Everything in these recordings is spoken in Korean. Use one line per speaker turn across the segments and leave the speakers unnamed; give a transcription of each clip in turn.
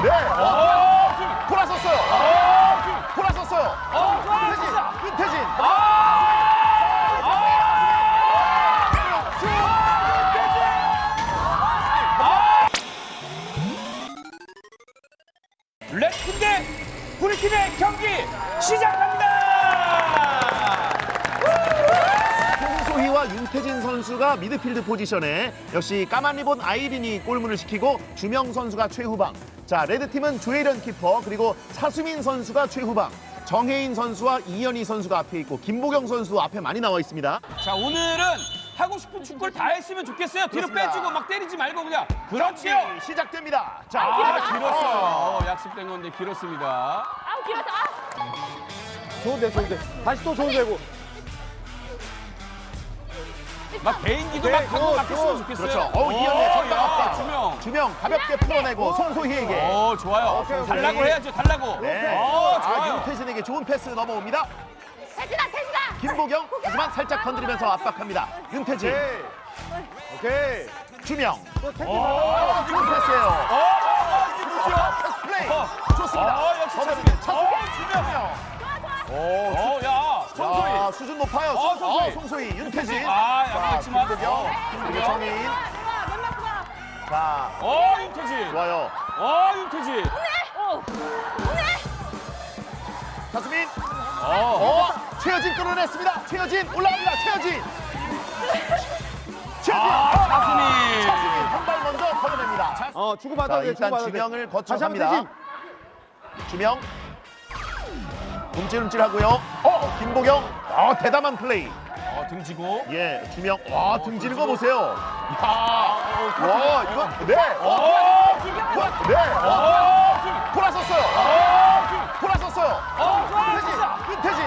네. 돌아섰어요. 돌아섰어요. 윤태진.
레드팀 대 브루팀의 경기 시작합니다.
송소희와 윤태진 선수가 미드필드 포지션에 역시 까만 리본 아이린이 골문을 시키고 주명 선수가 최후방. 자, 레드팀은 조혜련 키퍼 그리고 차수민 선수가 최후방. 정혜인 선수와 이현희 선수가 앞에 있고 김보경 선수 앞에 많이 나와 있습니다.
자, 오늘은 하고 싶은 축구를 다 했으면 좋겠어요. 뒤로
그렇습니다.
빼주고 막 때리지 말고 그냥. 그렇지요.
시작됩니다. 자,
길었어요. 약속된 건데 길었습니다.
아우 길어서
좋은데 좋은데 다시 또 좋은데고
막 개인기도 막 하고 막 했으면 좋겠어요.
그렇죠. 이현희 전방 압박.
주명.
주명 가볍게 풀어내고 송소희에게.
좋아요.
오케이.
달라고 해야죠. 달라고.
네.
좋아요.
윤태진에게 좋은 패스 넘어옵니다.
태진아
김보경 하지만 살짝 건드리면서 압박합니다. 윤태진.
오케이
주명.
또
좋은 패스예요. 패스 플레이. 좋습니다.
역시
차수민. 주명.
야.
송소희. 수준 높아요.
송소희.
송소희. 윤태진.
약했지만.
김보경. 그리고 정혜인. 자,
윤태진.
좋아요.
윤태진.
차수민. 최여진 끌어냈습니다. 최여진 올라갑니다. 최여진.
차수민.
차수민 한 발 먼저 걸어냅니다. 자,
주고받아야 돼
일단
주고받아야 돼
주명을 거쳐
다시 한번
갑니다. 주명. 움찔움찔하고요. 김보경. 대담한 플레이.
등지고.
예, 주명. 등 지는 거 보세요. 이거. 네. 돌아섰어요. 돌아섰어요. 윤태진.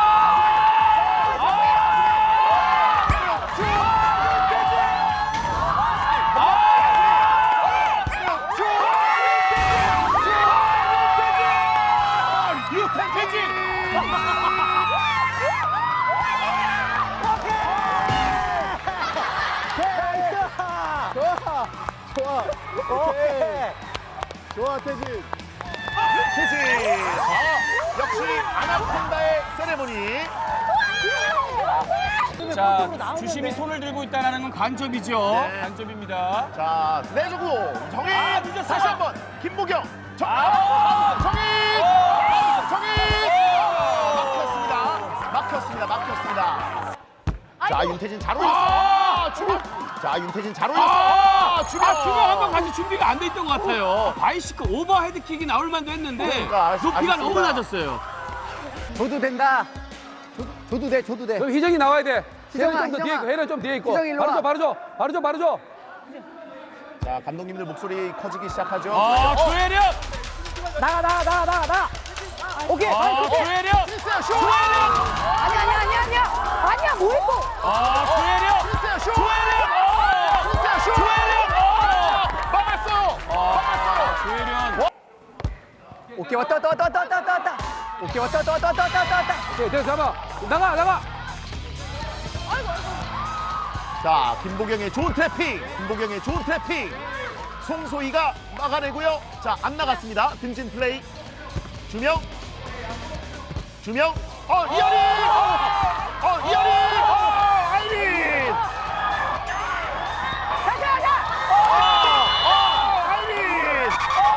좋아 태진
태진. 역시 아나콘다의 세레모니.
자, 주심이 손을 들고 있다는 건 간접이죠.
네.
간접입니다.
자, 내주고 정인.
늦었어요.
다시 한번 김보경. 정인. 막혔습니다. 자, 윤태진 잘 올렸어. 자, 윤태진 잘 올렸어.
주명 한번 같이 준비가 안 돼 있던 것 같아요. 바이시클 오버 헤드킥이 나올 만도 했는데
그러니까,
높이가
아쉽습니다.
너무 낮았어요.
줘도 된다 줘도 돼
그럼 희정이 나와야 돼.
희정아,
혜련이 좀 더 뒤에 있고, 혜련이 좀 뒤에 있고.
희정이 일로 와.
바로 줘.
자, 감독님들 목소리 커지기 시작하죠.
조혜련!
나가 오케이
조혜련!
아니야 뭐 했고
조혜련! 조혜련!
오케이 왔다 오케이 왔다
오케이, 됐어, 잡아. 나가.
자, 김보경의 좋은 트래핑. 송소희가 막아내고요. 자, 안 나갔습니다. 등진 플레이. 주명. 이현희! 아이린!
다시 하자
아이린!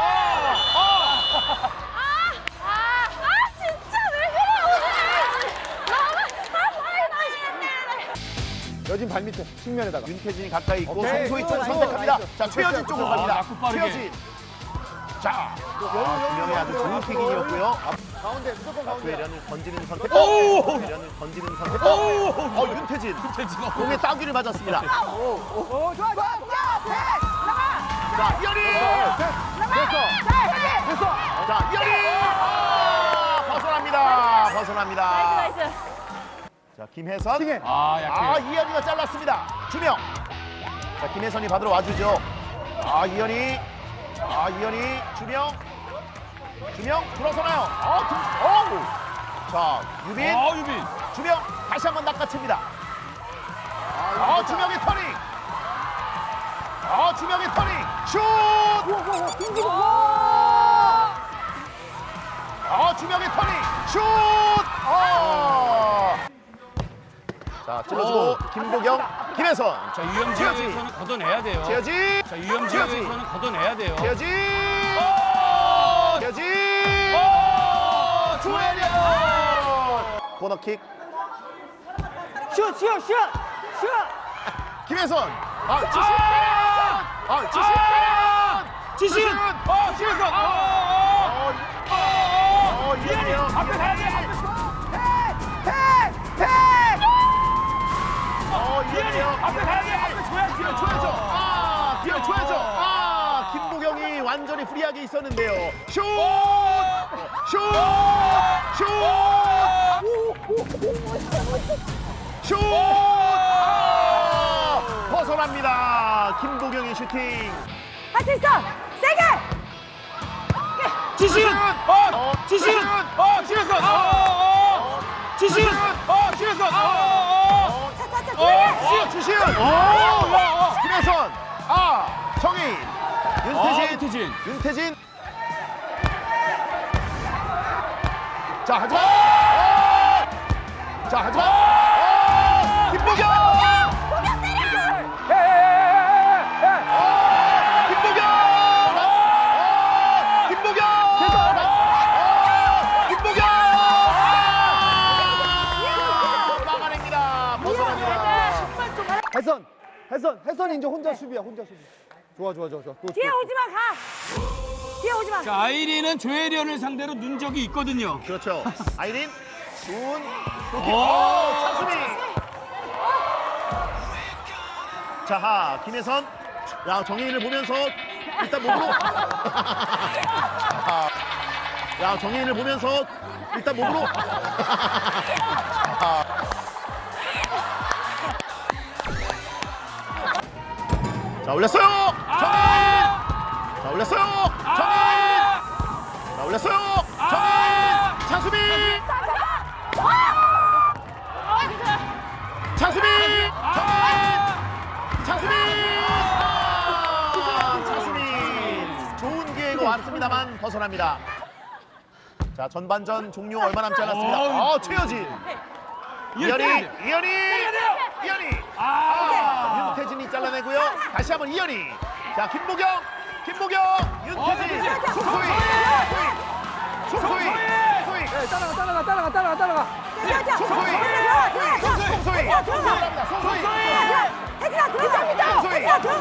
진짜 왜 그래 오늘 너무
여진 발밑에 측면에다가
윤태진이 가까이 있고
오케이.
송소희 쪽을
나이스.
선택합니다.
나이스.
자, 최여진 쪽으로 갑니다.
낙구 빠르게.
최여진. 자, 주명이 아주 좋은 킥인이었고요.
가운데 무조건 가운데
조혜련을 건지는 선택.
오!
윤태진.
윤태진.
공에 따귀를 맞았습니다.
좋아
자, 이현희!
됐어
자, 이현희! 벗어납니다.
나이스
자, 김혜선.
팅해
약해요.
이현희가 잘랐습니다. 주명. 자, 김혜선이 받으러 와주죠. 이현희. 주명 들어서나요? 자, 유빈.
유빈.
주명 다시 한번 낚아챕니다. 주명의 터닝. 슛! 김보경, 김혜선.
자, 유영
최여진.
지역에서는 걷어내야 돼요.
최여진.
자, 유영
최여진.
지역에서는 걷어내야 돼요.
최여진. 최여진. 조혜련. 코너킥.
슛!
김혜선. 지신.
지신! 지신!
이현이요.
앞에 가야 돼!
이현이요.
앞에 가야 돼! 앞에 줘야지!
줘야죠. 뒤에 줘야죠. 김보경이 완전히 프리하게 있었는데요. 슛! 슛! 슛! 슛! 벗어납니다. 김보경의 슈팅.
할 수 있어. 세게.
지신! 지신! 지혜선! 지신! 지혜선!
차차차 조용히.
주시은. 김혜선. 정희. 윤태진. 윤태진. 자, 하지마. 김보경. 막아냅니다. 벗어납니다.
혜선 이제 혼자 수비야, 혼자 수비. 좋아. 또,
뒤에 오지 마. 가. 뒤에 오지 마.
자, 아이린은 조혜련을 상대로 눈적이 있거든요.
그렇죠. 아이린, 준,
오!
차수미. 자, 김혜선. 야, 정혜인을 보면서 일단 몸으로. 야, 정혜인을 보면서 일단 몸으로. 자, 올렸어요. 정혜인. 자, 올렸어요. 정혜인. 자, 올렸어요. 정혜인. 차수미. 차수미. 차수미. 차수미. 좋은 기회가 왔습니다만 벗어납니다. 자, 전반전 종료 얼마 남지 않았습니다. 최여진. 이현이. 윤태진이 잘라내고요. 다시 한번 이현이. 자, 김보경, 윤태진, 송소희.
따라가.
송소희.
혜진아 들어갑니다. 혜진아 들어가.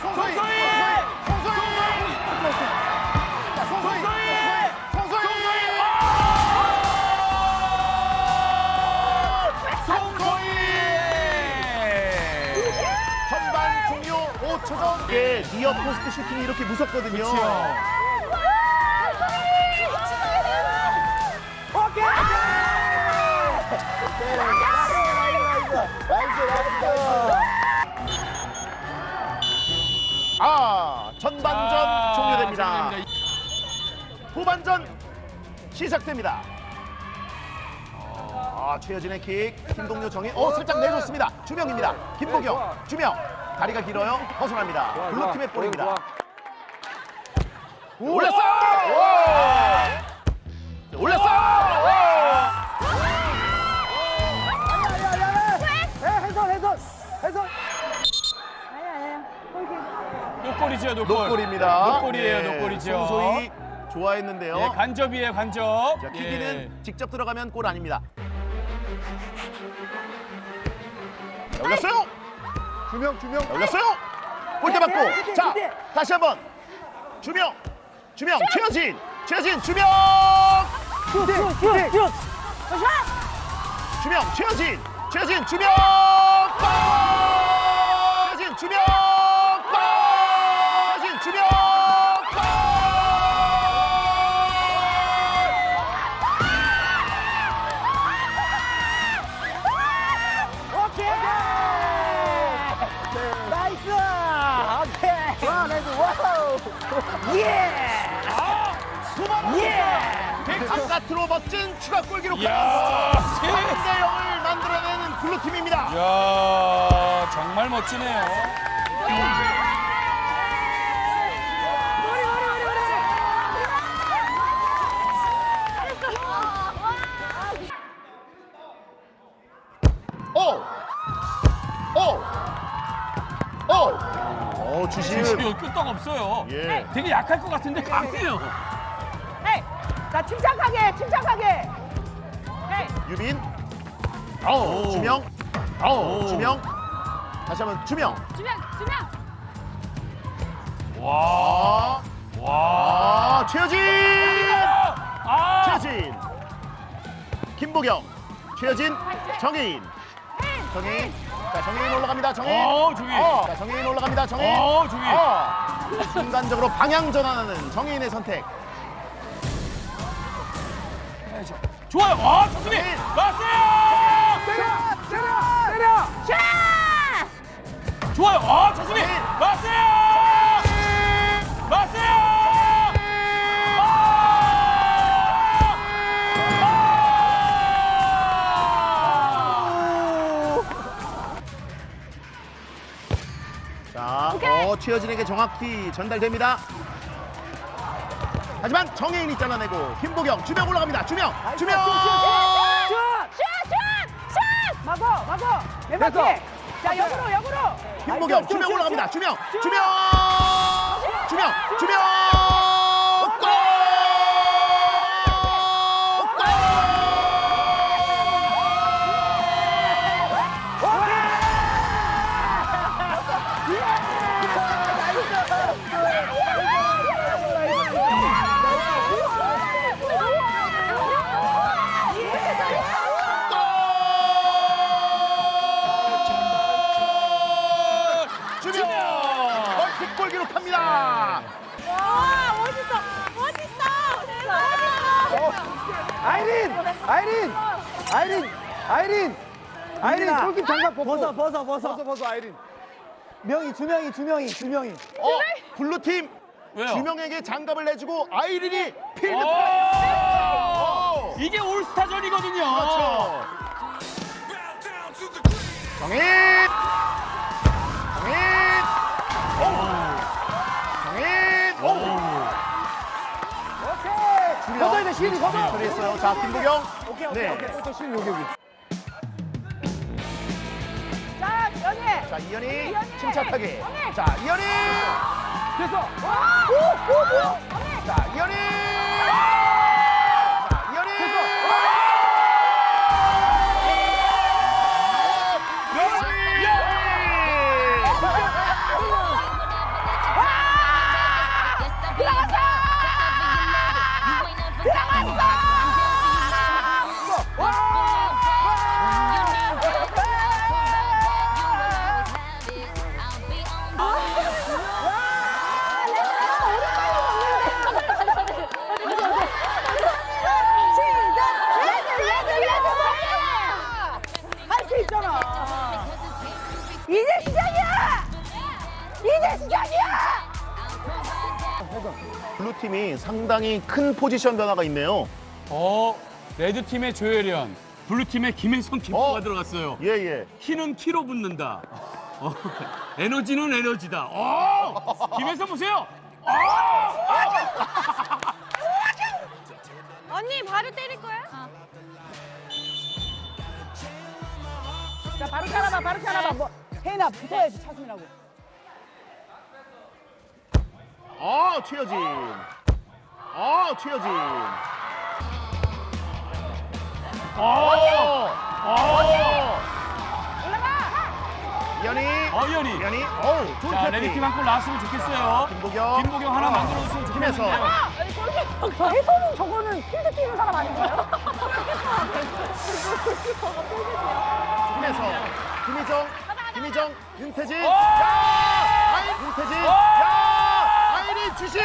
전반 종료 5초 전. 니어 포스트 슈팅이 이렇게 무섭거든요. 전반전 종료됩니다. 후반전 시작됩니다. 최여진의 킥, 김동료 정희, 살짝 내줬습니다. 주명입니다. 김보경, 주명, 다리가 길어요. 벗어납니다. 블루팀의 볼입니다. 올렸어요!
혜선.
아니야.
노골이죠,
노골입니다.
노골이에요, 노골이죠.
송소희 좋아했는데요.
예, 간접이에요, 간접.
자, 킥이는 직접 들어가면 골 아닙니다. 자, 올렸어요.
주명.
올렸어요. 골대 맞고. 자, 다시 한번. 주명, 최여진, 주명. 주명, 최여진, 주명. 골! 최여진, 주명. 골! 최여진, 주명. 골!
나이스! 오케이! 와, 나이스! 와우! 예!
바깥으로 멋진 추가골 기록하면서
이야,
3대 0을 만들어내는 블루팀입니다.
야, 정말 멋지네요.
주시은.
주시은 끄떡 없어요.
예.
되게 약할 것 같은데 강해요.
헤이. 자, 침착하게, 침착하게. 헤이.
유빈.
오.
주명.
오.
주명. 다시 한번 주명.
주명, 주명.
와. 와.
최효진.
아.
최효진. 김보경. 최효진. 정혜인. 정혜인. 자, 정혜인 올라갑니다. 정혜인.
정혜인.
자, 정혜인 올라갑니다. 정혜인.
정혜인.
순간적으로 방향 전환하는 정혜인의 선택.
좋아요. 와, 좋습니다.
정혜인.
맞어요.
때려!
샷!
좋아요. 아, 좋습니다. 맞어요. 맞어요.
자, 최효진에게 정확히 전달됩니다. 하지만 정혜인이 잘라내고 김보경 주명 올라갑니다. 주명.
슛! 슛! 슛! 막어, 막어. 왼바퀴.
됐어.
자, 역으로.
김보경 주명 올라갑니다. 주명. 주명. 골! 주명. 멀티골 기록합니다.
와, 멋있어.
아이린 골킵 장갑 벗어.
벗어, 아이린. 주명이.
블루팀
왜요?
주명에게 장갑을 내주고 아이린이 필드
오!
플레이.
이게 올스타전이거든요.
그렇죠. 정인.
걷어야 돼, 시인이 걷어.
그랬어요. 자, 김보경. 네.
또 시인 여기.
자, 연희.
자, 이현이
이현이.
침착하게.
연희.
자, 이현이.
됐어.
뭐야?
자, 이현이. 자, 이현이.
할수 있잖아. 이제 시작이야.
블루팀이 상당히 큰 포지션 변화가 있네요.
레드팀의 조혜련, 블루팀의 김혜성 키퍼가 들어갔어요.
예, 예.
키는 키로 붙는다. 에너지는 에너지다. 김혜성 보세요.
언니 바로 때릴 거야? 자, 바로 차라봐. 뭐 혜인아 붙어야지 차수민하고.
최여진. 최여진.
올라가.
이현이.
이현이.
이현이. 좋은
자,
패스.
레드팀 한 골 나왔으면 좋겠어요.
김보경.
김보경 하나 만들어줬으면
김혜성.
좋겠는데요.
저 해서는 저거는 필드 뛰는 사람 아닌가요?
김혜성. 김희정. 윤태진.
오!
윤태진.
오!
아이린 주신.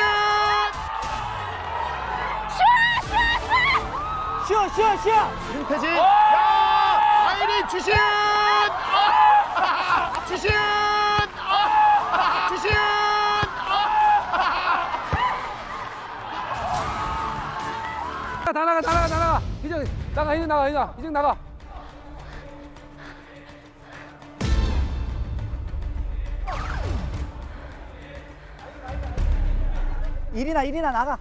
쉬어.
윤태진.
오!
아이린 주신. 주신.
다 나가. 이제 나가.
이리나 나가.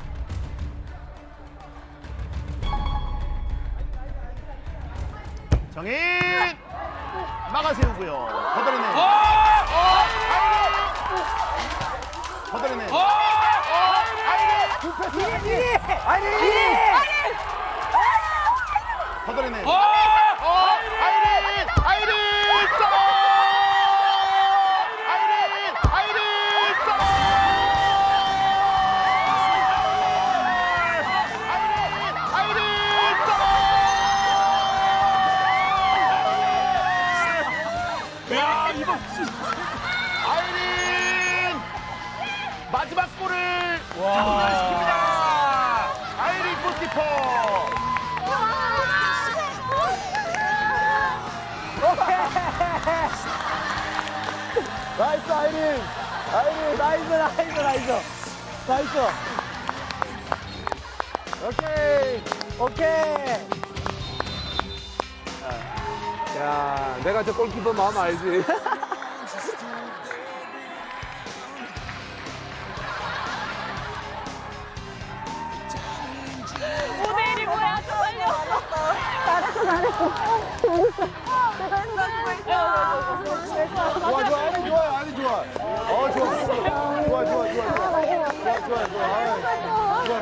정인. 막아 세우고요. 걷어내는. 걷어내네. 걷어내네. 아이린! 아이린! 점! 아이린! 아이린! 점! 아이린! 아이린! 점!
야, 이거
아이린! 마지막 골을 성공시킵니다. 아이린 골키퍼.
나이스, 아이린. 아이린, 나이스, 나이스, 나이스. 나이스. 오케이. 오케이.
야, 내가 저 골키퍼 마음 알지.
모델이 뭐야, 저걸요. 잘했어, 잘했어. 잘했어.
좋아, 좋아, 아이린 좋아요, 아이린 좋아. 좋아. 좋아, 좋아, 좋아. 좋아, 좋아.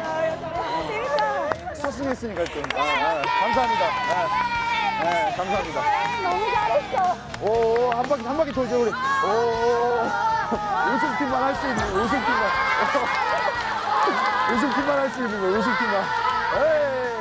스승했으니까 좀. 감사합니다. 감사합니다.
너무 잘했어.
오, 한 바퀴 돌죠, 우리. 오, 우승팀만 할 수 있는, 우승팀만. 우승팀만 할 수 있는 거, 우승팀만. 에이.